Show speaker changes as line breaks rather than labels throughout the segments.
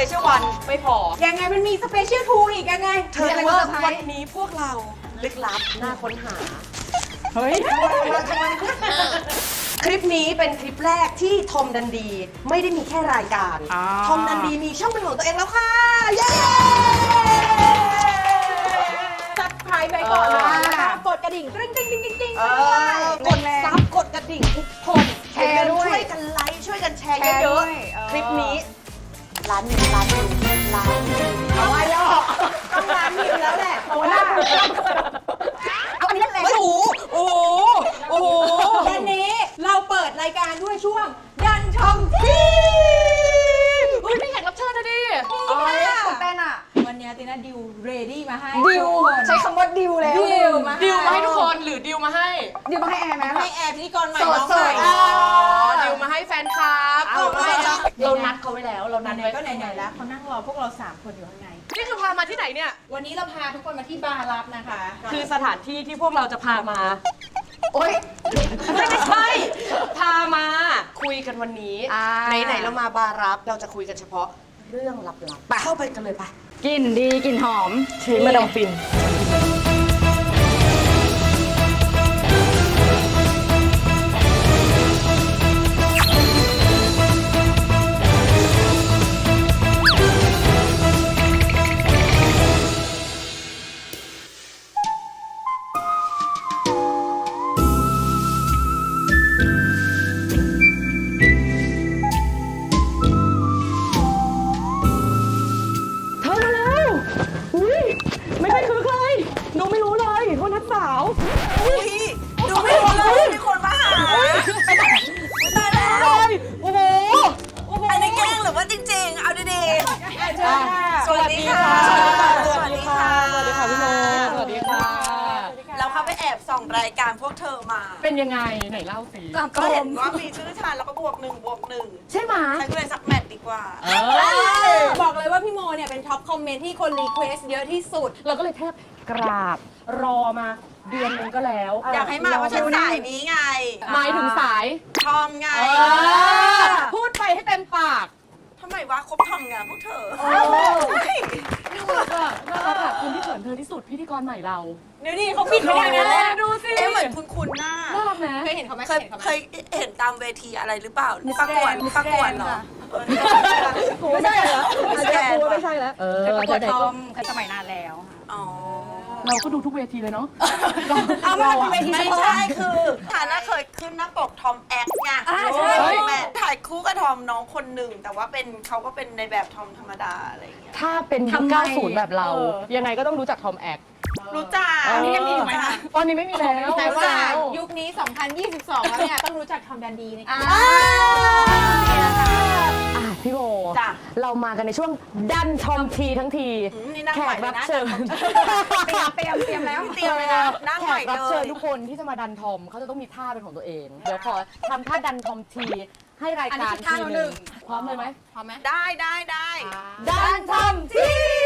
เชียลวันไม่พอ
ยังไงมันมีสเปเชียลทูอีกยังไง
เธอรู้ว่าวันนี้พวกเราลึกลับน่าค้นหา
เฮ้ย
คลิปนี้เป็นคลิปแรกที่ทอมดันดีไม่ได้มีแค่รายการ ทอมดันดีมีช่องเป็นของตัวเองแล้วค่ะ เย้
ซับไครไปก่อนนะกดกระดิ่งกริ๊งกริ๊งกริ๊งกริ๊งกริ๊ง
กดซับกดกระดิ่งทุกคนแชร์ด้วยช่วยกันไลค์ช่วยกันแชร์เยอะๆคลิปนี้ล้านวิวล้านวิวล้านวิว
เอาไว้แล้วต้องร้านวิวแล้วแหละโอ้หน้าเอาอันนี้เล่นแรง
โอ้โหโอ้โหโอ้โห
วันนี้เราเปิดรายการด้วยช่วงดันชมที
เฮ้ยไม่แขกรับเชิญนะดิ
ตื่นเต้นอ่ะวันนี้ติน่าดิวเรดี้มาให้
ดิวใช้คำว่าดิวแล้ว
ดิวมา
ดิวมาให้ทุกคนหรือดิวมาให้
ดิวมาให้แอร์ไหม
ให้แอร์พิธีกรใหม่
โสด
น้องใหม่
โสด
ดิวมาให้แฟนคลับ
เอาไปแล้ว
เรานัดเขาไว้แล้วเรานัด
ไหน
ไว้
ๆก็ไหนๆแล้วเขานั่งรอพวกเรา3คนอยู่ข้างใน
นี่คือพามาที่ไหนเนี่ย
วันนี้เราพาทุกคนมาที่บาร์ลับนะคะ
คือสถานที่ที่พวกเราจะพามา
โอ๊ย
ไม่ใช่ พามาคุยกันวันนี้ ไหนๆเรามาบารับเราจะคุยกันเฉพาะเรื่องลับๆไปเข้าไปกันเลยไป
กลิ่นดีกลิ่นหอม
ทีมาดามฟินเธอมาแล้วอุ้ยไม่เคยคือใครดูไม่รู้เลยว่านัดสาวอุ้ยดูไม่รู้เลยมีคนมาหาตายแล้วโอ้โหอันนี้แกล้งหรือว่าจริงๆ เอาดีๆสวัสดีค่ะสวัสดีค่ะสวัสดีค่ะพี่โมสวัสดีค่ะ
เราเข้าไปแอบส่องรายการพวกเธอมา
เป็นยังไงไหนเล่าสิ
ก็เห็นว่ามีชื่อฉันแล้วก็บวก1บวก1
ใช่ไหม
ฉันก็เลยสักแมทดีกว่า
บอกเลยว่าพี่โมเนี่ยเป็นท็อปคอมเมนต์ที่คนรีเควสเยอะที่สุด
เราก็เลยแทบกราบรอมาเดือนนึงก็แล้ว
อยากให้มาเพราะฉันสายนี้ไง
หมายถึงสาย
ทอมไง
พูดไปให้เต็มปาก
ทำไมวะคบทอมไงพวกเธอ
น่ารักอะคนที่เขินเธอที่สุดพิธีกรใหม่เรา
เดี๋ยวนี้เขาปิดไม่ได้นะ
ดูสิ
เอ๊ะเหมือนคุณหน้า
น่ารักนะ
เคยเห็นเขาไหม
เคยเห็นตามเวทีอะไรหรือเปล่าประกวดเหรอ
ไม่ใช่เหรอ
ไม่ใช่
ไม่ใช่แล้ว
ประกวดทอม
สมัยนานแล้ว
อ๋อ
เราก็ดูทุกเวทีเลยเนาะ
เอามาเป็นเวที
ไม่ใช่คือฐานะเคยขึ้นหน้าปกทอมแอคไง
ใช่
แม่ถ่ายคู่กับทอมน้องคนหนึ่งแต่ว่าเขาก็เป็นในแบบทอมธรรมดาอะไรอย่างเงี้ย
ถ้าเป็นยุค90 แบบเรา ยังไงก็ต้องรู้จักทอมแอค
รู้จัก
อันนี้ยังมีอยู่ไหมคะ
ตอนนี้ไม่มีแล้ว
แต่ว่ายุคนี้ 2022 แล้วเนี่ยต้องรู้จักทอมแดนดีนะคะ
พี่โบ
จ้ะ
เรามากันในช่วงดันทอมทีทั้งที
นี่นั่ง
แข
ใหม่
ก
เล
รั
ย
บ
นะ
เชิญ
เตรียมแล้ว
เตรียมเลยนะนั่ง
แข
ใหม่
กรับ
เล
เชิญ
ย
ทุกคนที่จะมาดันทอมเขาจะต้องมีท่าเป็นของตัวเอง เดี๋ยวขอทำท่าดันทอมทีให้ราย
อันนี้
การ
คือท่า
ที
เรา
ห
หนึ่
นึ่ง
ง
พร้อมเลยไหม
พร้อมไหม
ได้
ดันทอมที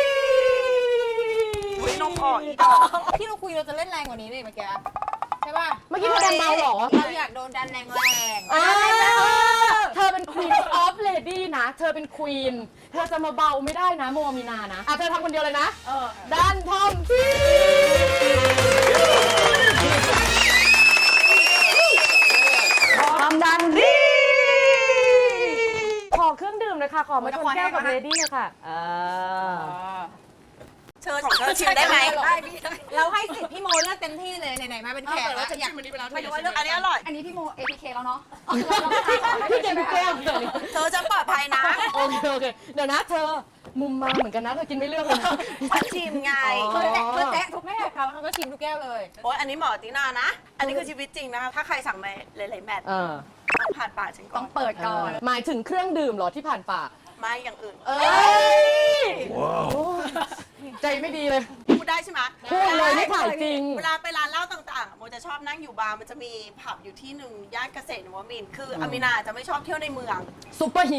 อุ้ยนกออกอีกดอก
ที่เราคุยเราจะเล่นแรงกว่านี้เลยเมื่อกี้ใช่ป่ะ
เมื่อกี้เธอดันเบาเหรอ
เราอยากโดนดันแรง
เธอเป็น Queen of Lady นะ เธอเป็น Queen เธอจะมาเบาไม่ได้นะโมมีนานะเธอทำคนเดียวเลยนะดันทอมทีทำดันดีขอเครื่องดื่มเลยค่ะ ขอมาชนแก้วกับเลดี้เลยค่ะ
เชิญของเธอชิมได้ไหม
เราให้สิทธิ์พี่โมเลือกเต็มที่เลยไหนๆมาเป็นแขกแล้วอยาก
ไม่รู้ว่าเลือกอันนี้อร่อย
อันนี้พี่โม APK แล้วเนาะ
พี่เจมส์แก้วเลย
เธอจะปลอดภัยนะ
โอเค เดี๋ยวนะเธอมุมมาเหมือนกันนะเธอกินไม่เลือกเลยนะ
ฉันชิมไง
เพื่อแตะทุกแม่เขาก็ชิมทุกแก้วเลย
โอ้ยอันนี้เหมาะตินานะ อันนี้คือชีวิตจริงนะคะถ้าใครสั่งมาหลายๆแมทต้องผ่านปากฉันก่
ต้
อ
อน งเปิดก่อน
หมายถึงเครื่องดื่มเหรอที่ผ่านปาก
ไม่อย่างอื่น
ใจไม่ดีเลย
พูดได้ใช่ไหม
พูดเลยไม่ถ่ายจริง
เวลาไปร้านเหล้าต่างๆโมจะชอบนั่งอยู่บาร์มันจะมีผับอยู่ที่หนึ่งย่านเกษตรนวมินทร์คืออามินาจะไม่ชอบเที่ยวในเมือง
ซุปเปอร์ฮิต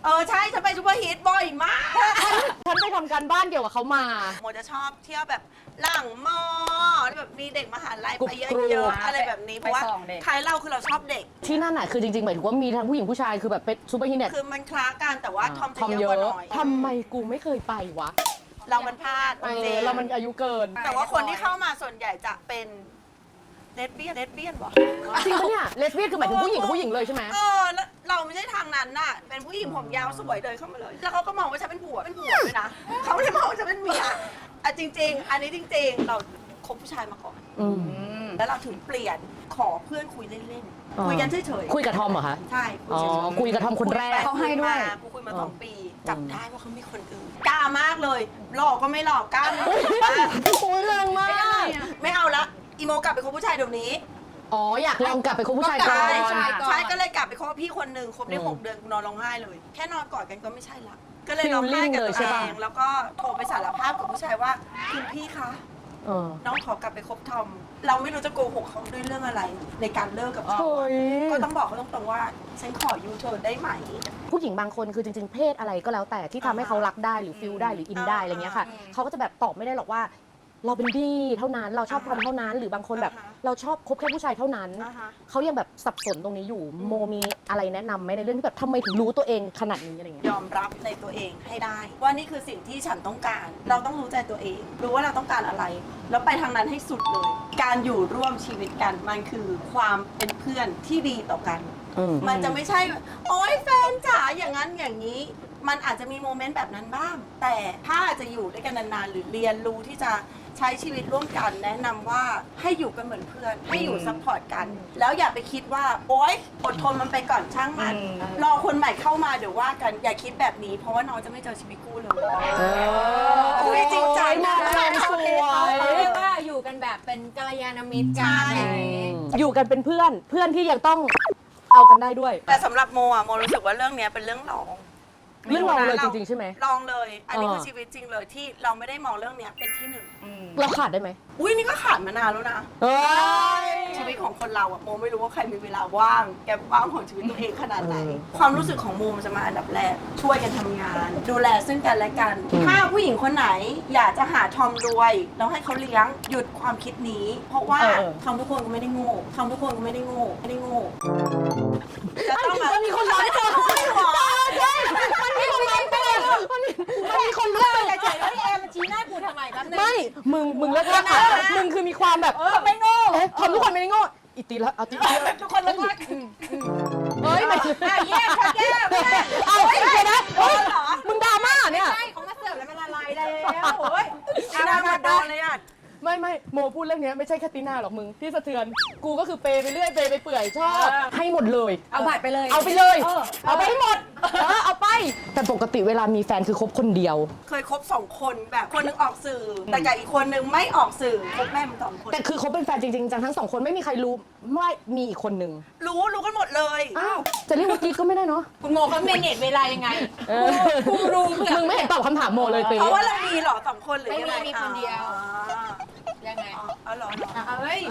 ใช่ฉันไปซูเปอร์ฮีทบ่อยมาก
ฉันไปทำการบ้านเกี่ยวกับเขามา
โมจะชอบเที่ยวแบบหลังมอแบบมีเด็กมหาลัยไปเย
กรุบ
อะๆอะไรแบบนี้เพราะว่าใครเราคือเราชอบเด็ก
ที่นั่นน่ะคือจริงๆหมายถึงว่ามีทั้งผู้หญิงผู้ชายคือแบบเป็นซูเปอร์ฮีทเนี่ย
คือมันคล้ากันแต่ว่าทอม
ท
จะ
อม
เย
เย
อะกว่า
อะ
หน่อย
ทำไมกูไม่เคยไปวะ
เรามันพลาดจริง
เรามันอายุเกิน
แต่ว่าคนที่เข้ามาส่วนใหญ่จะเป็นเลสเบี้ยนวะ
จริงปะเนี่ยเลสเบี้ยนคือหมายถึงผู้หญิงกับผู้หญิงเลยใช่ไหม
แล้วเราไม่ใช่ทางนั้นน่ะเป็นผู้หญิงผมยาวสวยเดินเข้ามาเลย แล้วเขาก็มองว่าฉันเป็นผัวด้วยนะเขาไม่ได้มองว่าฉันเป็นเมียจริง ๆ อันนี้จริง ๆ เราคบผู้ชายมาก่อน
อืม
แล้วเราถึงเปลี่ยนขอเพื่อนคุยเล่น
อ๋อ
ๆคุยกันเฉยๆ
คุยกับทอมเหรอคะ
ใช่
อ๋อคุยกับทอมคนแรก
เขาให้ด้วย
กูคุยมา2 ปีจับได้ว่าเขามีคนอื่นกล้ามากเลยหลอกก็ไม่หลอกกล้ามาก
โอ้ยแรงมาก
ไม่เอาละอีโมกลับไปคบผู้ชายเดี๋ยวนี้
อ๋ออยากลองกลับไปคบผู้ชายก่อน
ใช่ก็เลยกลับไปคบกับพี่คนหนึ่งคบได้6 เดือนกูนอนร้องไห้เลย แค่นอนกอดกันก็ไม่ใช่ละก็เลยร้องไห้กับตัวเองแล้วก็โทรไปสารภาพกับผู้ชายว่าคุณพี่คะ
เออ
น้องขอกลับไปคบทอม เราไม่รู้จะโกหกเขาด้วยเรื่องอะไร ในการเลิกกับเขา
โอ้ย
ก็ต้องบอกเขาตรงๆว่าฉันขอยูเทิร์นได้ไหม
ผู้หญิงบางคนคือจริงๆเพศอะไรก็แล้วแต่ที่ทำให้เขารักได้หรือฟิลได้หรืออินได้อะไรเงี้ยค่ะเขาก็จะแบบตอบไม่ได้หรอกว่า เราเป็นดีเท่านั้นเราชอบทอมเท่านั้น หรือบางคนแบบเราชอบคบแค่ผู้ชายเท่านั้น เขายังแบบสับสนตรงนี้อยู่โมมีอะไรแนะนำไหมในเรื่องที่แบบทำไมถึงรู้ตัวเองขนาดนี้อะไรเงี้ย
ยอมรับในตัวเองให้ได้ ว่านี่คือสิ่งที่ฉันต้องการ เราต้องรู้ใจตัวเอง รู้ว่าเราต้องการอะไร แล้วไปทางนั้นให้สุดเลย การอยู่ร่วมชีวิตกันมันคือความเป็นเพื่อนที่ดีต่อกัน มันจะไม่ใช่ โอ๊ยแฟนจ๋าอย่างนั้นอย่างนี้ มันอาจจะมีโมเมนต์แบบนั้นบ้าง แต่ถ้าจะอยู่ด้วยกันนานๆหรือเรียนรู้ที่จะใช้ชีวิตร่วมกัน แนะนำว่าให้อยู่กันเหมือนเพื่อน ให้อยู่ซัพพอร์ตกัน แล้วอย่าไปคิดว่าโอ๊ยอดทนมันไปก่อนช่างมันรอคนใหม่เข้ามาเดี๋ยวว่ากันอย่าคิดแบบนี้ เพราะว่าน้องจะไม่เจอชีวิตคู่เลยอุ้ยจริงจังนะ
สวย
เขาเรียกว่าอยู่กันแบบเป็นกัลยาณมิตรกัน
อยู่กันเป็นเพื่อนที่ยังต้องเอากันได้ด้วย
แต่สำหรับโมอะโมรู้สึกว่าเรื่องเนี้ยเป็นเรื่องรอง
เรื่องรองเลยจริงๆใช่ไหม
ลองเลย อันนี้คือชีวิตจริงเลยที่เราไม่ได้มองเรื่องเนี้ยเป็นที่หนึ่ง
เราขาดได้ไหม
อุ้ยนี่ก็ขาดมานานแล้วนะ
เฮ้ย
ชีวิตของคนเราอะโมไม่รู้ว่าใครมีเวลาว่างแกว่างของชีวิตตัวเองขนาดไหน ความรู้สึกของโมมันจะมาอันดับแรกช่วยกันทำงาน ดูแลซึ่งกันและกัน ถ้าผู้หญิงคนไหนอยากจะหาทอมรวยแล้วให้เขาเลี้ยงหยุดความคิดนี้ เพราะว่าทอมทุกคนก็ไม่ได้โง่ทอมทุกคนก็ไม่ได้โง่ไม่ได้โง่จะต้องมามีคนรักเธอ
มันมีคนรักมันมีคนรัก
เฉยๆแล้วพี่แอมมาชี้หน้ากูทำไมแป๊บนึง
ไม่มึงเลิกรักอ่ะมึงคือมีความแบบ
ไม่โง่
เอ๊ะทอมทุกคนไม่ได้โง่อีตีละเอาตี
ทุกคนรัก
เฮ้ยไม่
แยกค่ะแยก
เอาเดี๋ยวนะเฮ้ยมึงดราม่าเนี่ย
ใช่เขามาเสิร์ฟแล้วมันละลายแล้วโอ้ย
ที่น่ามาโดนเลยอะ
ไม่โมพูดเรื่องนี้ไม่ใช่แค่ตีน่าหรอกมึงที่สะเทือนกูก็คือเปย์ไปเรื่อยเปย์ไปเปื่อยชอบให้หมดเลย
เอาบัตรไปเลย
เอาไปเลยเอาไปให้หมดเอาไปแต่ปกติเวลามีแฟนคือคบคนเดียว
เคยคบ2 คนแบบคนหนึงออกสื่อ แต่กับอีกคนหนึงไม่ออกสื่อคบแม่มัน2 คน
แต่คือคบเป็นแฟนจริงๆจังทั้งสองคนไม่มีใครรู้ว่ามีอีกคนนึง
รู้กันหมดเลย
อ้าวจะเรียกว่ากิ๊กก็ไม่ได้เนาะ
คุณโมเขาเมเนจเวลายังไง
กูรู้มึงไม่เห็นตอบคำถามโมเลยตี
เพราะว่าเรามีเหรอ2 คนหรือ
ไม่
ยัง
มี
ไง
มีคนเดียว
อ๋อ
ยังไง
อ๋อเหรอ
เฮ้ย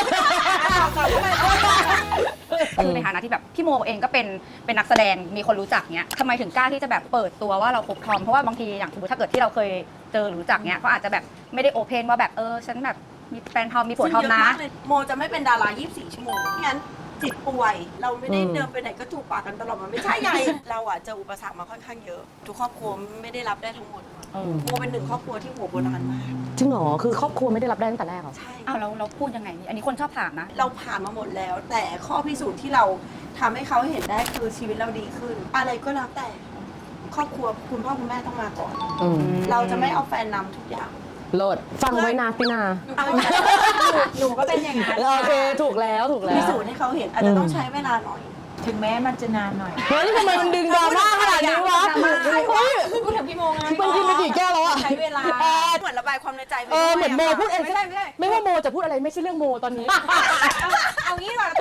คือในฐานะที่แบบพี่โมเองก็เป็นนักแสดงมีคนรู้จักเนี้ยทำไมถึงกล้าที่จะแบบเปิดตัวว่าเราคบทอมเพราะว่าบางทีอย่างสมมติถ้าเกิดที่เราเคยเจอหรือรู้จักเนี้ยก็อาจจะแบบไม่ได้โอเพนว่าแบบฉันแบบมีแฟนทอมมีผัวทอมนะ
โมจะไม่เป็นดารา24 ชั่วโมงงั้นจิตป่วย เราไม่ได้เดินไปไหนก็จูบปากกันตลอดมันไม่ใช่ไง เราอ่ะเจออุปสรรคมาค่อนข้างเยอะ ทุกครอบครัวไม่ได้รับได้ทั้งหมดโมเป็น1 ครอบครัวที่หัวโบราณมาก
จริงเหรอคือครอบครัวไม่ได้รับได้ตั้งแต่แรกเหรอ
ใช่
อ้าวเราพูดยังไงนี่อันนี้คนชอบถามนะ
เราผ่านมาหมดแล้ว แต่ข้อพิสูจน์ที่เราทำให้เขาเห็นได้คือชีวิตเราดีขึ้น อะไรก็แล้วแต่ครอบครัวคุณพ่อคุณแม่ต้องมาก่อน เราจะไม่เอาแฟนนำทุกอย่าง
โหลดฟังไว้นะตินา
หนูก็เป็นอย่างนั้น
โอเคถูกแล้ว
พิสูจน์ให้เขาเห็นอาจจะต้องใช้เวลาหน่อย
ถึงแม้มันจะนานหน่อย
เฮ้ยทำไมมันดึงดราม่าขนาดนี้วะเฮ้ย
พูดถึงพี่โมไง
มันกินไปกี่แก้วแล้วอะ
ใช้เวลา
เหมือนระบายความในใจไป
เหมือนโมพูดเอง
ไม่ได้
ไม่ว่าโมจะพูดอะไรไม่ใช่เรื่องโมตอนนี้
เอางี้ก่อน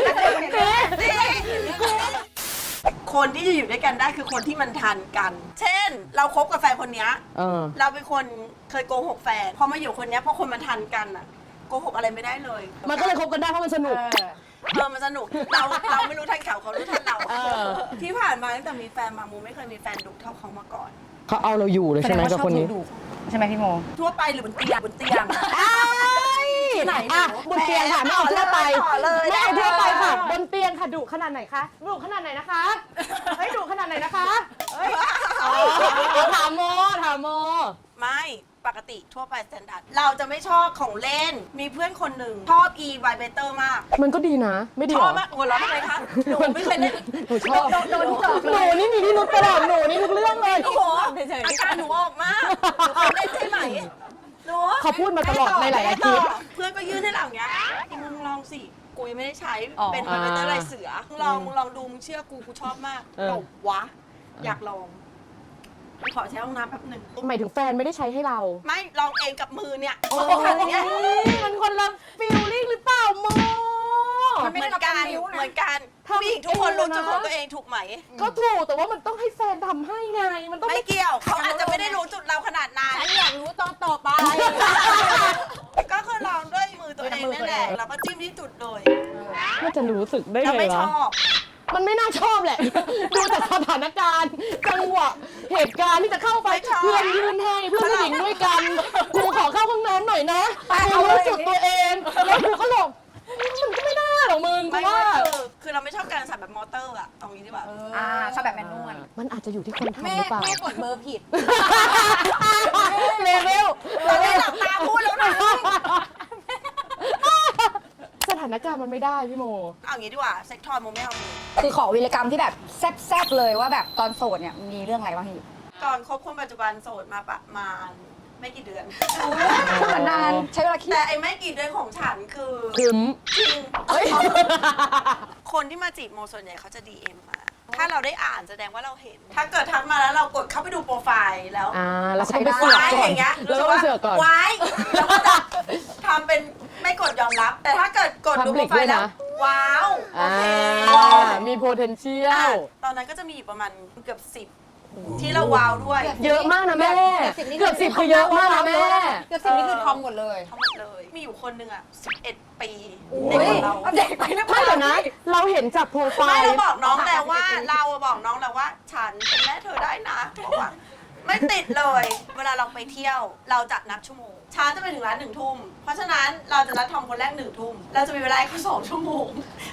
คนที่จะอยู่ด้วยกันได้คือคนที่มันทันกัน เช่น เราคบกับแฟนคนเนี้ยเราเป็นคนเคยโกหกแฟนพอมาอยู่คนเนี้ยเพราะคนมันทันกันอะโกหกอะไรไม่ได้เลย
มันก็เลยคบกันได้เพราะมันสนุก
มันสนุกเราไม่รู้ทันเขารู้ทันเราที่ผ่านมาตั้งแต่มีแฟนมามูไม่เคยมีแฟนดุเท่าเขามาก่อน
เขาเอาเราอยู่เลยใช่ไหมกับคนนี้
ใช่ไหมพี่โม
ทั่วไปหรือบนเตียงไหน
อ่ะบนเตียงค่ะไม่เอาทั่วไป
เลย
ไม่เอาทั่วไปค่ะบนเตียงค่ะดุขนาดไหนคะดุขนาดไหนนะคะเฮ้ยดุขนาดไหนนะคะเฮ้ยถามโม
ไม่ปกติทั่วไปสแตนดาร์ดเราจะไม่ชอบของเล่นมีเพื่อนคนหนึ่งชอบ e vibrator มาก
มันก็ดีนะไม่ดี
ช
หร
อ
อบ
มากหัวเราะทำไมคะหนูไม่เคยเล่น
หนูชอบโดนทุกดอกเลยหนูนี่มีที่นุชตลอดหนูนี่ทุกเรื่องเลย
โอ้โหอาการหนูออกมากหนูเคยเล่นใช่ไหมหนู
เขาพูดมาตลอดในหลายๆคลิป
เพื่อนก็ยื่นให้เราอย่างเงี้ยมึงลองสิกูยังไม่ได้ใช้
อ๋อ
เป็นไวเบเตอร์ลายเสือมึงลองดูมึงเชื่อกูชอบมากตบวะอยากลองขอใช้ห้องน้ำแป๊บหนึ่ง
หมายถึงแฟนไม่ได้ใช้ให้เรา
ไม่ลองเองกับมือเนี่ย
โอ้
มือข้างเนี้ย
มันคนละฟีลลิ่งหรือเปล่าโม
เหมือนกันผู้หญิงทุกคนรู้จุดของตัวเองถูกไหม
ก็ถูกแต่ว่ามันต้องให้แฟนทำให้ไงมันต้อง
ไม่เกี่ยวเขาอาจจะไม่ได้รู้จุดเราขนาดนั้น
ฉันอยากรู้ตอนต่อไป
ก็คือลองด้วยมือตัวเองนั่นแหละแล้วก็จิ้มที่จุดเลย
น่าจะรู้สึกได้
เรา
ไง
ไม่ช
วะ
อบ
มันไม่น่าชอบแหละ ดูจากสถานการณ์จังหวะเหตุการณ์ที่จะเข้าไปเพื่อนยืนให้เพื่อนผู้หญิงด้วยกันกูขอเข้าห้องน้ำหน่อยนะกูรู้จุดตัวเองแล้วกูก็หลงมันก็ไม่ได้หรอกมึงกู
ไม่
ว่า
คือเราไม่ชอบการสั่นแบบมอเตอร์อะเอางี้ดีกว่า
ชอบแบบแมนนวล
มันอาจจะอยู่ที่คนทำ
แม่
หรือเปล่า
แม่กดเบอร์ผิด
เลเวล
เราได้หลับตาพูดแล้วนะ
สถานการณ์มันไม่ได้พี่โม
เอางี้ดีกว่าเซ็กทอยโมไม่เอามือ
คือขอวีรกรรมที่แบบแซ่บๆเลยว่าแบบตอนโสดเนี่ยมีเรื่องอะไรบ้างพี่
ก่อนคบคนปัจจุบันโสดมาประมาณไม่กี่เดือน
เหมือนนานใช้เวลาคิด
แต่ไอ้ไม่กี่เดือนของฉันคือ
ถึม
จริงคนที่มาจีบโมส่วนใหญ่เขาจะ DM มา ถ้าเราได้อ่านแสดงว่าเราเห็น ถ้าเกิดทักมาแล้วเรากดเข้าไปดูโปรไฟล์แล้ว
เราก็ต้องไปเสือก
ว้าย
ก่อ
อน ย่างเงี้ย
เราก็ไปเสือกก่อน
ไว้แล้วก็จะทำเป็นไม่กดยอมรับ แต่ถ้าเกิดกดดูโปร
Public
ไฟล์แล้ว
ด้วยนะ
ว้าวโอเค
มี potential
ตอนนั้นก็จะมีอยู่ประมาณเกือบ10ที่เราว้าวด้วย
เยอะมากนะแม่
เกือบ10
เกือบ10คือเยอะมากนะแม่
เกือบ10นี่คือทอมหมดเลย
ทั้งหมดเลย มีอยู่คนหนึ่งอ่ะ11 ปี
อุ๊
เด็ก
ย
กว่าเรา
เด็กไปหรือเป
ไม่
ล่า
เดี๋ยวนะ เราเห็นจากโปรไฟ
ไม่
ล์
เราบอกน้องแล้วว่าเราบอกน้องแล้วว่าฉันเป็นแม่เธอได้นะบอกว่าไม่ติดเลย เวลาเราไปเที่ยวเราจะนับชั่วโมงช้าจะไปถึงร้าน1 ทุ่ม เพราะฉะนั้นเราจะนัดทอมคนแรก1 ทุ่ม เราจะมีเวลาให้เขา2 ชั่วโมง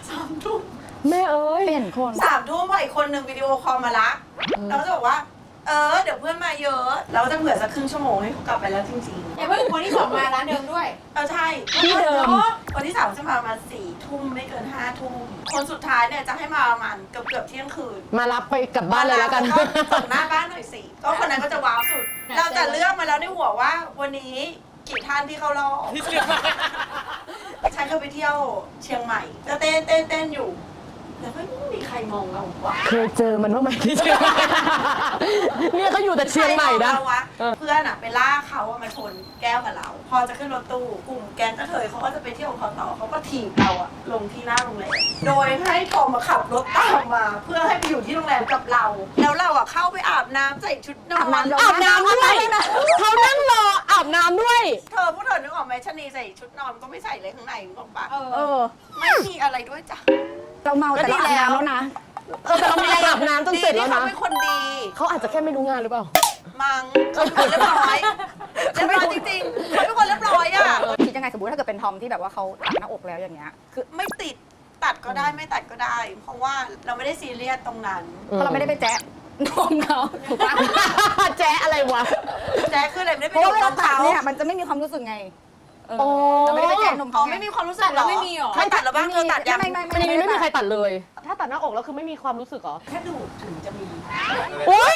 3 ทุ่ม
แม่เอ้ย
เปลี่ยนคน
3 ทุ่มพออีกคนหนึ่งวิดีโอคอลมาละเราก็จะบอกว่าเดี๋ยวเพื่อนมาเยอะ เราก็จะเผื่อสักครึ่งชั่วโมงให้เขากลับไปแล้วจริงๆ
อย่าเพิ่งคนที่สองมาร้านเดิมด้วย
ใช่
ที่เดิม
วันที่3จะมาประมาณ4 ทุ่มไม่เกิน5 ทุ่ม คนสุดท้ายเนี่ยจะให้มาประมาณเกือบเที่ยงคืน
มารับไปกลับบ้านเลยแล้วกัน
ส่งหน้าบ้านหน่อยสิ ก็คนนั้นก็จะว้าวสุด เราจะเลือกมาแล้วในหัวว่าวันนี้กี่ท่านที่เข้ารอบฉันเคยไปเที่ยวเชียงใหม่ก็เต้นอยู่แล้วไม่มีใครมองเราวะ
เคยเจอมันบ้างไหมที่เชียงใหม่เนี่ยเขาอยู่แต่เชียงใหม่นะ
ใครมองเราวะเพื่อนอะไปล่าเขาอะมาชนแก้วกับเรา พอจะขึ้นรถตู้กลุ่มแก๊งกระเทยเขาก็จะไปเที่ยวของเขาต่อเขาก็ถีบเราอะลงที่หน้าโรงแรมโดยให้ทอมมาขับรถตามมา เพื่อให้ไปอยู่ที่โรงแรมกับเรา แล้วเราอะเข้าไปอาบน้ำใส่ชุดนอน
อาบน้ำด้วยเขานั่งรออาบน้ำด้วย
พวกเธอนึกออกไหมชะนีใส่ชุดนอนก็ไม่ใส่เลยข้างในนึกออกปะ
เออ
ไม่มีอะไรด้วยจ้ะ
เราเมาแต่เราอาบน้ำแล้วนะ
แต่เราไม่ได้อาบน้ำจนเสร็จ
ดี
แล้ว
ที่เขา
นะ
เป็นคนดี
เขาอาจจะแค่ไม่รู้งานหรือเปล่า
มังเขาเป็นคนเรียบร้อยเรียบร้อยจริงๆเขาเป็นคนเรียบร้อยอะ
คิดยังไงสมมติถ้าเกิดเป็นทอมที่แบบว่าเขาตัดหน้าอกแล้วอย่างเงี้ยคือ
ไม่ติดตัดก็ได้ไม่ตัดก็ได้ เพราะว่าเราไม่ได้ซีเรียสตรงนั้น
เพราะเราไม่ได้ไปแจ๊ะนมเขาถูกปะ
แจ๊อะไรวะ
แจ๊คคืออะไรไม่ได้
เพ
ไป
ราะ
ดู
ว่าเว
น้
ลา
อง
ตัด
เขา
เนี่ยมันจะไม่มีความรู้สึกไงเออ
โอ้
เราไม่ได้ไปแจ๊ะนม
อ๋อ
เขา
ไม่มีความรู้สึก
ตัดแล้วไม่มีหรอ
ใครตัดแล้วบ้างเธอตัดยัง
ไม่
อันนี้ไม่มีใครตัดเลย ถ้าตัดหน้าอกแล้วคือไม่มีความรู้สึกเหรอ
แค่ดูดถึงจะมี
โอ้ย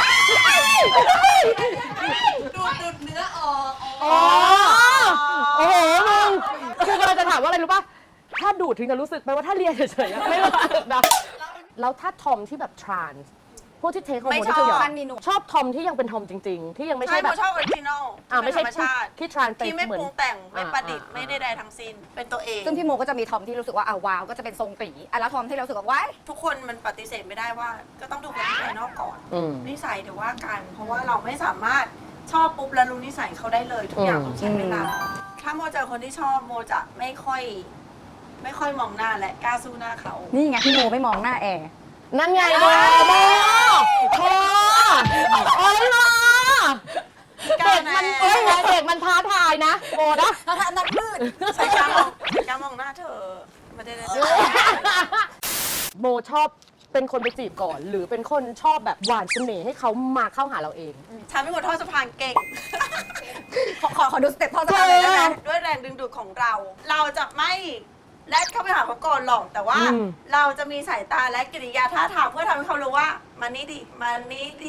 ดูดเนื้อออก
อ๋อโอ้โหมึงคือกำลังจะถามว่าอะไรรู้ป่ะ ถ้าดูดถึงจะรู้สึกไหมว่าถ้าเรียนเฉยๆอะไม่รู้สึกนะ แล้วถ้าทอมที่แบบทรานส์พวกที่เทคฮอร์โมนที่คือชอบทอมที่ยังเป็นทอมจริงๆ ที่ยังไม่
ใช่
ใช่แบ
โม
บ
ชอบออริจินอล
ไม่ใช่
ธรรมชาติ
ที่ทรานส์ไป
ที่ไม่
เหมือน
ปรุงแต่งไม่ประดิษฐ์
อ่า
ไม่ใดๆทั้งสิ้นเป็นตัวเอง
ซึ่งพี่โมก็จะมีทอมที่รู้สึกว่าว้าวก็จะเป็นทรงตีแล้วทอมที่เรารู้สึกว่าว้าย
ทุกคนมันปฏิเสธไม่ได้ว่า ก็ต้องดูคนที่ภายนอกก่อน
อืม
นิสัยเดี๋ยวว่ากัน เพราะว่าเราไม่สามารถชอบปุ๊บแล้วรู้นิสัยเขาได้เลยทุกอย่างต้องใช้เวลาถ้าโมเจอคนที่ชอบโมจะไม่ค่อยไม่ค่อยมองหน้าและกล้าสู้หน้าเขา
นี่ไงพี่โมไม่มองหน้าแอร์
นั่นไงโมโอ้ยโมเด็กมันเด็กมันท้าทายนะโมนะ
ถ้าทำนัดมืด
ใช้การมองหน้าเธอไม่ได้เลย
โมชอบเป็นคนไปจีบก่อน หรือเป็นคนชอบแบบหวานเสน่ห์ให้เขามาเข้าหาเราเอง
ฉันเป็นคนทอดสะพานเก่ง
ขอดูสเต็ปทอดสะพานเลยได้ไหม
ด้วยแรงดึงดูดของเรา เราจะไม่แลดเข้าไปหาเขาก่อนหรอก แต่ว่าเราจะมีสายตาและกิริยาท่าทางเพื่อทำให้เขารู้ว่ามันนี่ดีมันนี่ดี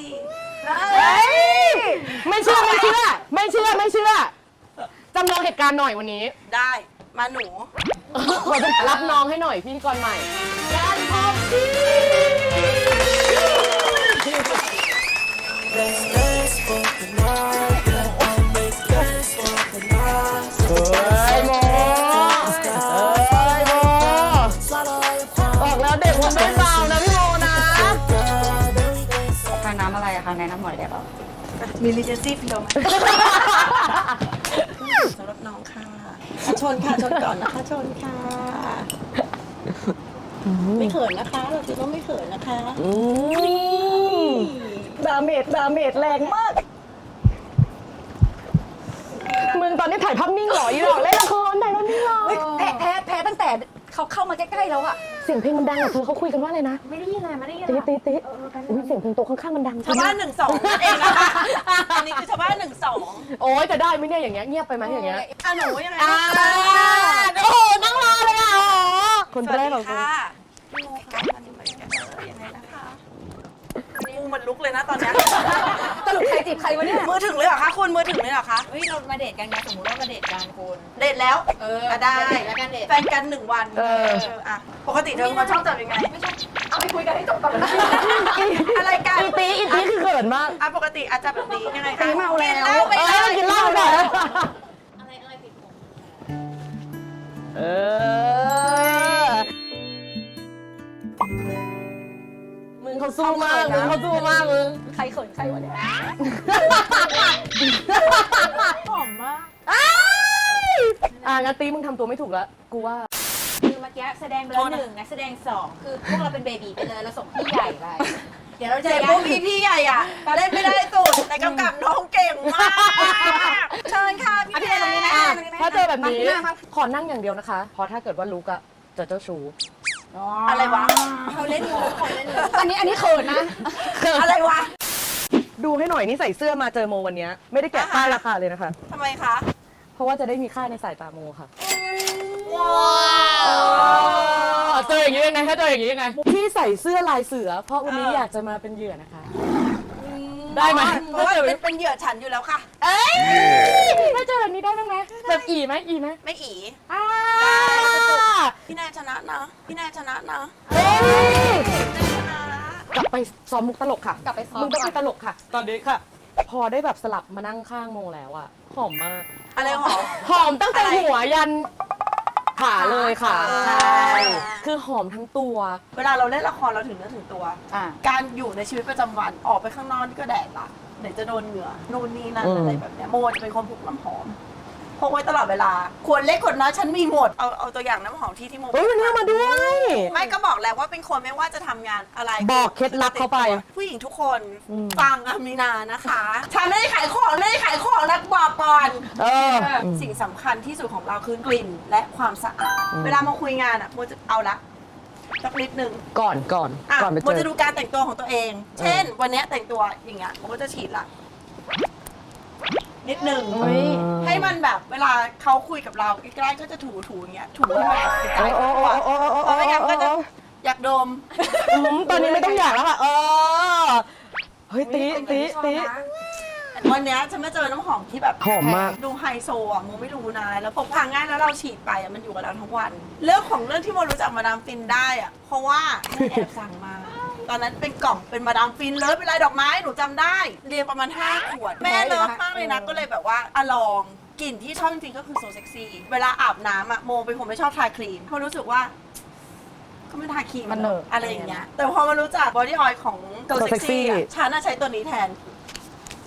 ไม่เชื่อจำลองเหตุการณ์หน่อยวันนี้
ได้มาหนู
รับน้องให้หน่อยพิธีกรใหม่การพบดีเฮ้ยโมบอกแล้วเด็กมันไม่เบานะพี่โมนะ
ทานน้ำอะไรอะคะแนะนำหน่อยได้ป่ะ
มีลิเจนซี่เพียวไหมสำหรับน้องค่ะชนค่ะชนก่อนนะคะชนค่ะไม่เขินนะคะเราจะต้องไม่เขินนะคะ
ดาเมจแรงมากมึงตอนนี้ถ่ายภาพนิ่งเหรออีหรอเล่นละครถ่ายภาพนิ่งเหรอ
แพ้ตั้งแต่เขาเข้ามาใกล้ๆแล้วอะ
เสียงเพลงมันดังอะเธอเขาคุยกันว่าอะไรนะ
ไม่ได้ยินเลยไม่ได้ยิน
ตีอุ้ยเสียงเพลงโต๊ะข้างๆมันดัง
ชาวบ้าน1-2นั่นเองนะคะอันนี้คือชาวบ้าน1-2
โอ้ยจะได้ไหมเนี่ยอย่างเงี้ยเงียบไปไหมอย่างเงี้ย
อ่ะหนูยังไง
โอ้โหนั่งรอเลยอ่ะคน
สวัส
แรก
ดี
ของกู
ค่ะพี่โมค่ะมาดูเหมือนกันยังไงนะคะกูมันลุกเลยนะตอนเนี้ย
สรุปใครจีบใครวะเนี่ย
มือถึงเลยเหรอคะคุณมือถึงเลยเหรอคะ
เฮ้ยเรามาเดทกันไงสมมติว่ามาเดทกันคุณ
เดทแล้ว ได้
เดทแล้วกันเดท
แฟนกัน1 วันอ่ะปกติเธอมาชอบจับยังไง
เอาไปคุยกันให้จบก่อนนะ
อะไรกัน
อีตีคือเขินมาก
อ่ะปกติอาจจะแบบนี้ยังไงคะ
ตีเมาแล้ว
กินเหล้าไปเลย
กินเหล้าหน่อย
อะไรติดผม
เออมึงเขาสู้มากมึง
ใครเขินใครวะเนี่ย
หอมมาก
งั้นตีมึงทำตัวไม่ถูกแล้วกูว่า
คือเมื่อกี้แสดงไปแล้ว1นักแสดง2คือพวกเราเป็นเบบีไปเลยเราส่งพี่ใหญ่ไปเดี๋ยวเราจะ
เจ็บพวกพี่ใหญ่อ่ะเล่นไม่ได้สุดแต่กำกับน้องเก่งมากเชิญค่ะพี่
พี่
แน
เนยตรงนี้นะ
ถ้าเจอแบบนี้
มาครับ
ขอนั่งอย่างเดียวนะคะ เพราะถ้าเกิดว่าลุกอะจะเจ้าชู้
อะไรวะ
เขาเล่นมุกเขาเล่นมุก
อันนี้เขินนะ
อะไรวะ
ดูให้หน่อยนี่ใส่เสื้อมาเจอโมวันนี้ไม่ได้แกะป้ายราคาเลยนะคะ
ทำไมคะ
เพราะว่าจะได้มีค่าในสายตาโมค่ะ
ว้าว
เจออย่างนี้ยังไงถ้าเจออย่างนี้ยังไงที่ใส่เสื้อลายเสือ เพราะวันนี้อยากจะมาเป็นเหยื่อนะคะ ได้ไหม
เพราะว่าเป็นเหยื่อฉันอยู่แล้วค่ะ
เอ้ยถ้าเจอแบบนี้ได้บ้างไหมแบบอีไหม
ไม่อี
อ่า
พี่แนนชนะนะพี่แนนชนะนะ
เอ้ย
ชนะนะ
กลับไปซ้อมมุกตลกค่ะ
กลับไปซ้อม
มึงต้องไปตลกค่ะ ตอนนี้ค่ะ พอได้แบบสลับมานั่งข้างโมแล้วอะหอมมาก
อะไรหรอ
หอมตั้งแต่หัวยันขาเลยค่ะ
ใช่
ใช่คือหอมทั้งตัว
เวลาเราเล่นละครเราถึงเนื้อถึงตัว
อ่า
การอยู่ในชีวิตประจำวันออกไปข้างนอกนี่ก็แดดละเดี๋ยวจะโดนเหงื่อนู่นนี่นั่น
อืม
อะไรแบบเนี้ยโมจะเป็นคนพกน้ำหอมพกไว้ตลอดเวลาขวดเล็กขวดน้อยฉันมีหมดเอาตัวอย่างน้ำหอมที่โม
เฮ้ยวันนี้เอามาด้วย
ไม่ก็บอกแล้วว่าเป็นคนไม่ว่าจะทำงานอะไร
บอกเคล็ดลับเข้าไป
ผู้หญิงทุกคน
อืม
ฟังอามีนานะคะฉันไม่ได้ขายของนะบอกก่อน
เออ
สิ่งสำคัญที่สุดของเราคือกลิ่นและความสะอาด เวลามาคุยงานอ่ะโมจะเอาละสักนิดนึง
ก่อน
อ่ะ
ก่อนไป
โม
เจ
จะ
อ
ดูการแต่งตัวของตัวเอง เช่น วันเนี้ยแต่งตัวอย่างเงี้ยโมก็จะฉีดละนิดนึง
เฮ้ย
ให้มันแบบเวลาเขาคุยกับเราใกล้ๆก็จะถูอย่างเงี้ยถูให้มันกระจาย
โอ้
ตัว
โอ้โอ้โอ้
เพราะไม่งั้นก็จะอยากดม
ตอนนี้ไม่ต้องอยากแล้วค่ะเฮ้ยตี
วันเนี้ยฉันมาเจอน้ำหอมที่แบบ
หอมมาก
ดูไฮโซอ่ะโมไม่รู้นะแล้วพกพาง่ายแล้วเราฉีดไปอ่ะมันอยู่กับเราทั้งวัน เรื่องของเรื่องที่โมรู้จักมาดามฟินได้อ่ะเพราะว่าแม่แอบสั่งมา ตอนนั้นเป็นกล่องเป็นมาดามฟินเลยเป็นลายดอกไม้หนูจำได้ เรียนประมาณ5 ขวด แม่เลิฟมากเลยนะก็เลยแบบว่าอะลองกลิ่นที่ชอบจริงๆก็คือโซเซ็กซี่เวลาอาบน้ำอ่ะโมเป็นคนไม่ชอบทาครีมเพราะรู้สึกว่า ก็ไม่ทาครีม
มันเหนอะ
อะไรอย่างเงี้ยแต่พอมารู้จักบอดี้ออยล์ของโซเซ็กซี่ฉันน่ะใช้ตัวนี้แทน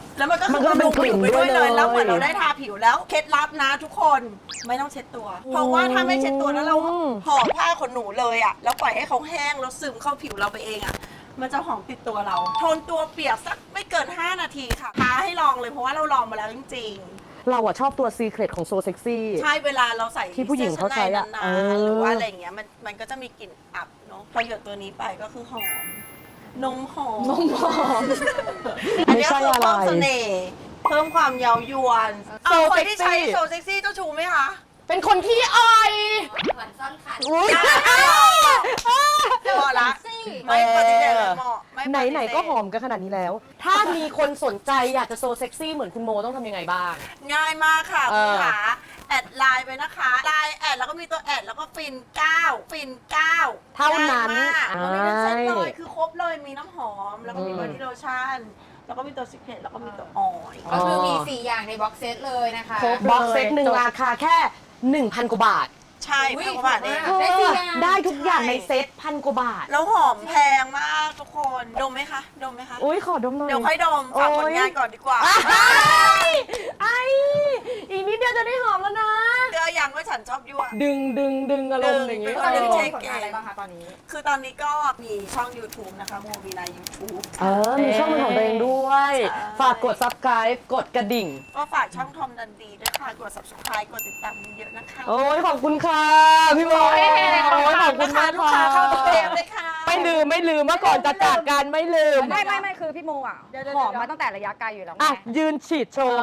แล้วมันก็คือ
มันก็เป็น
บำรุงผิวไปด้วย
กลิ่นด้
เล
วย
ย แล้วเหมือน
เลย
เราได้ทาผิวแล้วเคล็ดลับนะทุกคนไม่ต้องเช็ดตัว เพราะว่าถ้าไม่เช็ดตัวแล้วเราห่อผ้าขนหนูเลยอ่ะแล้วปล่อยให้เขาแห้งแล้วซึมเข้าผิวเราไปเองอ่ะมันจะหอมติดตัวเราทนตัวเปียกสักไม่เกิน 5 นาทีค่ะท้าให้ลองเลยเพราะว่าเราลองมาแล้วจริงๆ
เราอะชอบตัวซีเครตของโซเซ็กซี่
ใช่เวลาเราใส่
ที่ผู้หญิงเขาใช้อะ
สื้ชั้นในนานๆหรือว่าอะไรอย่างเงี้ยมันก็จะมีกลิ่นอับเนาะพอหยดตัวนี้ไปก็คือหอมนมหอมอัน
ไม่
นี้
ใช่
คือ
อะไร
เพิ่มเสน่ห์เพิ่มความเย้ายวน
โซ
คน
เซ็กซี่
ที่ใช้โซเซ็กซี่เจ้าชูไหมคะ
เป็นคนขี้อ่อย
เหมือนซ่อนคัน
อุ๊ย
พอละไม่ปฏิเสธเหมาะไม่ปฏิเสธ
ไหนๆก็หอมกันขนาดนี้แล้ว ถ้ามีคนสนใจอยากจะโซเซ็กซี่เหมือนคุณโมต้องทำยังไงบ้าง
ง่ายมากค่ะ
เอ
คุณ
อ
ขาแอดไลน์ไปนะคะไลน์แอดแล้วก็มีตัวแอดแล้วก็ฟิน9ฟิน9
เท่านั้น
ง่ายมากมันมีเป็นเซตเล
ใช่
ยคือครบเลยมีน้ำหอม แล้วก็มีบอดี้โลชั่นแล้วก็มีตัวซิกเนตแล้วก็มีตัวออยล์
ก็คือมี 4 อย่างในบ็อกเซตเลยนะคะ
ครบบ็อกเซตหนึ่งราคาแค่ 1,000 กว่าบาท
ใช่
อุ๊ย
พันกว่าบาทเอง
ถูกมาก ได้สี่อย่าง
ได้ทุกอย่างในเซต1,000 กว่าบาท
แล้วหอมแพงมากทุกคนดมไหมคะดมไหมคะ
อุ้ยขอดมหน่อย
เดี๋ยวค่อยดมฝากผลงานก่อนดีกว่า
ไอ้อีกนิดเดียวจะได้หอมแล้วนะ
เจออย่างว่าฉันชอบยั่ว
ดึงอารมณ์อย่างงี้
ตอนนี้
เช็
เช็
ค
ค
ผลงานอะไรบ้างคะตอนนี้
คือตอนนี้ก็มีช่อง YouTube นะคะโมวีนา YouTube
มีช่องเป็นของตัวเองด้วย
ใช่
ฝากกด subscribe กดกระดิ่ง
ก็ฝากช่องทอมดันดีด้วยค่ะกด subscribe กดติดตามเยอะๆนะคะ
โอ้ยขอบคุณค่ะ พี่โมโอ้ยขอบคุณมาก
ลูกค้า
ค่ะ
เข้าเต็มเลยค่ะ
ไม่ลืมเมื่อก่อนจะจากกันไม่ลืม
ไม่คือพี่โมอ่ะ
เดี๋ยว
หอมมาตั้งแต่ระยะไกลอยู่แล้วไง
อ่ะ ยืนฉีดโชว์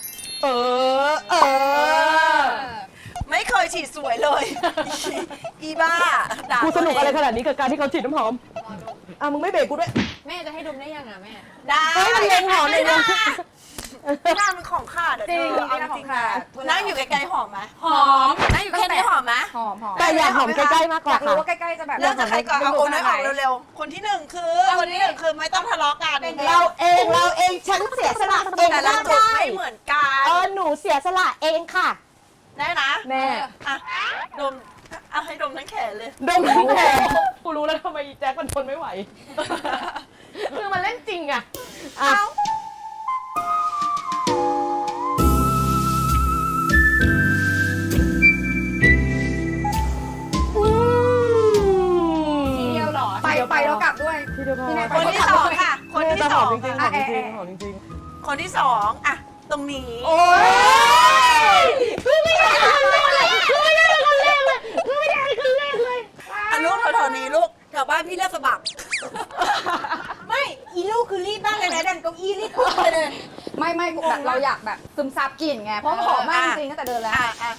ไม่เคยฉีดสวยเลย อีบ้าด่า
กูสนุกอะไรข
ตัวเง
นาดนี้กับการที่เขาฉีดน้ำหอม อ่ะ มึงไม่เบรกกูด้วย
แม่จะให้ดมได้ยังอ่ะแม่
ได้
เฮ้ยมันเล็งหอมเลยนะ
หน้ามันของขาดอะ
จริง
เธอเอา
นี่
จ
ขอ
ริ
ง
ง
ขา
นะ
ด
นั่งอยู่ไกลๆหอมไหม
หอม
นั่งอยู่แค่นี้หอมไหม
หอม
แต่อยากหอมใกล้ๆมากก
อ
ว่า
ยากรู้
ค่ะ
ว่าใกล้ๆจะแบบ
เริ่มจากใครก่อนเอาโอนให้ออกเร็วๆ คนที่หนึ่งคือไม่ต้องทะเลาะกัน
เราเองฉันเสียสละเอง
แต่ละ
ก็
จุด
ได้
ไม่เหมือนกัน
หนูเสียสละเองค่ะ
ได้นะ
แม่
อ่ะดมเอาให้ดมทั้งแขนเลย
ดมทั้งแผลกูรู้แล้วทำไมแจ็คมันทนไม่ไหว คือมันเล่นจริงอะอ่ะ
ทีเดียวเหรอ
ไปแล้วกลับด้วย
ที่เดียวพอ
ที่ไหน
คนที่สองค่ะ คนที่
แต่
ส
หอ
อ
ม
ง
จริงๆห
ค่ะ
อมจริงๆหอมจริง
คนที่สองอ่ะตรงนี้
ๆโอ้ยคือไม่ได้คนแรกเลยคือไม่ได้คนแรกเลยคือไม่ได้คนแรกเลย
อันลูกแถวๆนี้ลูกแถวบ้านพี่เรียกสะบัก
ไม่อีลูกคือรีบมากเลยนะดันเก้าอี้รีบไปเลย
ไม่แบบเราอยากแบบซึมซับกลิ่นไง เพราะหอมมากจริงๆตั้งแต่เดินแล้ว
อ่ะ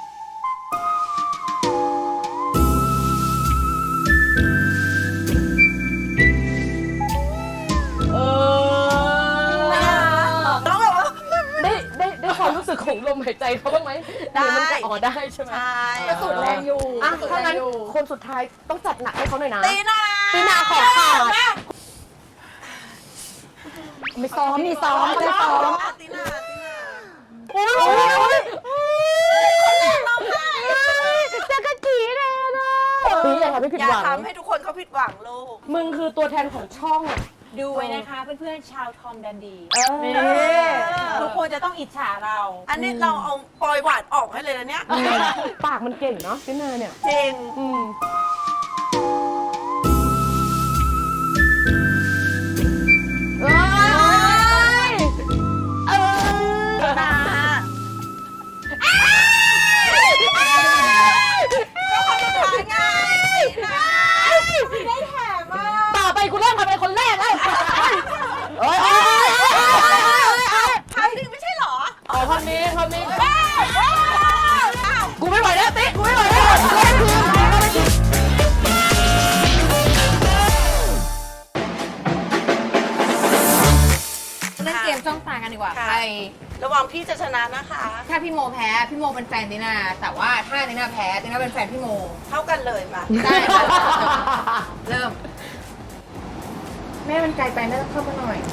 เออ
ต้องแบบว่า
ได้ความรู้สึกของลมหายใจเขาบ้างไหมหรือมันจะอ๋อได้ใช่ไหม
ใช่
ก็สุดแรงอยู่
อ่ะถ้างั้นคนสุดท้ายต้องจัดหนักให้เขาหน่อยนะ
ตีนา
ตีนาขอขาด
มีซ้อมไม่ซ้อม
ตีนา
โอ้ยจะกระจีเลยนะอย่าทำให้ผิด
อย่า
หวัง
ทำให้ทุกคนเขาผิดหวังลูก
มึงคือตัวแทนของช่อง
ดูไว้นะคะเพื่อนๆชาวทอมดันดี
นี่
ทุกคนจะต้องอิจฉาเรา
อันนี้เราเอาปลอยหวานออกให้เลยนะเนี่ย
ปากมันเก่งเนาะพี่นาเนี่ย
จริง
อืมเอ้ยเออ
นา
ต่อไปกูเริ่มมาเป็นคนแรกแล้วเอ้ย
ครั้งหนึ่งไม่ใช่เหรอ
อ๋อคนนี้กูไม่ไหวแล้วติ๊กกูไม่ไหวแล้วเล่นคืน
เล่นเกมช่องตากันดีกว่า
ค่ะ
ใคร
ระวังพี่จะชนะนะคะ
ถ้าพี่โมแพ้พี่โมเป็นแฟนตินาแต่ว่าถ้าตินาแพ้ตินาเป็นแฟนพี่โม
เท่ากันเลยมา
ได้ค่ะเริ่ม แม่มันไกลไปแม่ต้องเพิ่มมาหน่อย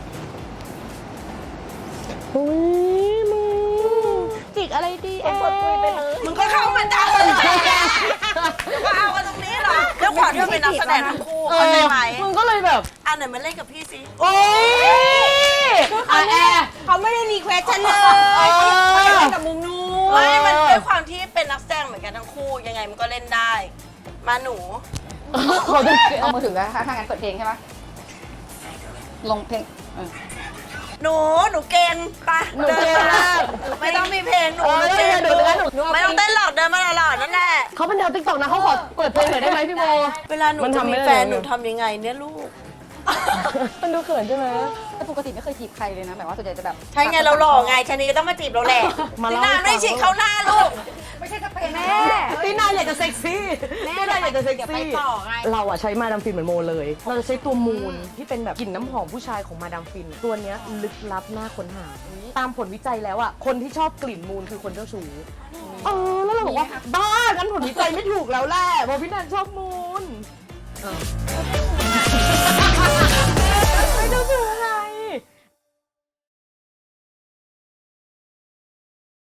อุ้ยมึงจิกอะไรดีเอ๊ะ
มึงก็เข้ามาจ้าเลยก็เอากันตรงนี้เหรอแล้วขวัญก็เป็นนักแสดงทั้งคู่เข้าใจไหม
มึงก็เลยแบบ
อันไหนมาเล่นกับพี่สิ
โอ๊ยแอร์
เขาไม่ได้รีเควสฉันเลยเขาเล่นกับมุมนู้น
ไม่มันด้วยความที่เป็นนักแสดงเหมือนกันทั้งคู่ยังไงมันก็เล่นได้ มาหนู
เอามือถือแล้วถ้างั้นเปิดเพลงใช่ปะลงเพลง
หนูเก่งไป
หนูเก่งมาก
ไม่ต้องมีเพลงหนูเก่ง
หนู
ไม่ต้องเต้นหลอดเดินมาหลอดนั่นแหละ
เขาเป็นดาวติ๊กต็อกนะเขาขอเปิดเพลงหน่อยได้ไหมพี่โม
เวลาหนู
มัน
จะ
ทำไม่
มี
ได้
แฟน
เลย
หนูทำยังไงเนี่ยลูก
มันดูเขินใช่ไหม
แต่ปกติไม่เคยจีบใครเลยนะแบบว่าส่วนใหญ่จะแบบ
ใช่ไงเราหล่อไงชะนีก็ต้องมาจีบเราแหละ
มา
พี่
เล่า
นาไม่ฉีกเข้าหน้าลูก
ไม่ใช่สเปนแม่
ตีน่าอยากจะเซ็กซี่ตีน่าอยากจะเซ็ก
เดี๋ยวไป
ซี่
ต่อไง
เราอะใช้มาดามฟินเหมือนโมเลย เราจะใช้ตัวมูนที่เป็นแบบกลิ่นน้ำหอมผู้ชายของมาดามฟิน ตัวเนี้ยลึกลับน่าค้นหา ตามผลวิจัยแล้วอะคนที่ชอบกลิ่นมูนคือคนเจ้าชู้แล้วเราบอกว่าบ้างั้นผลวิจัยไม่ถูกแล้วแหละเพราะพี่นันชอบมูน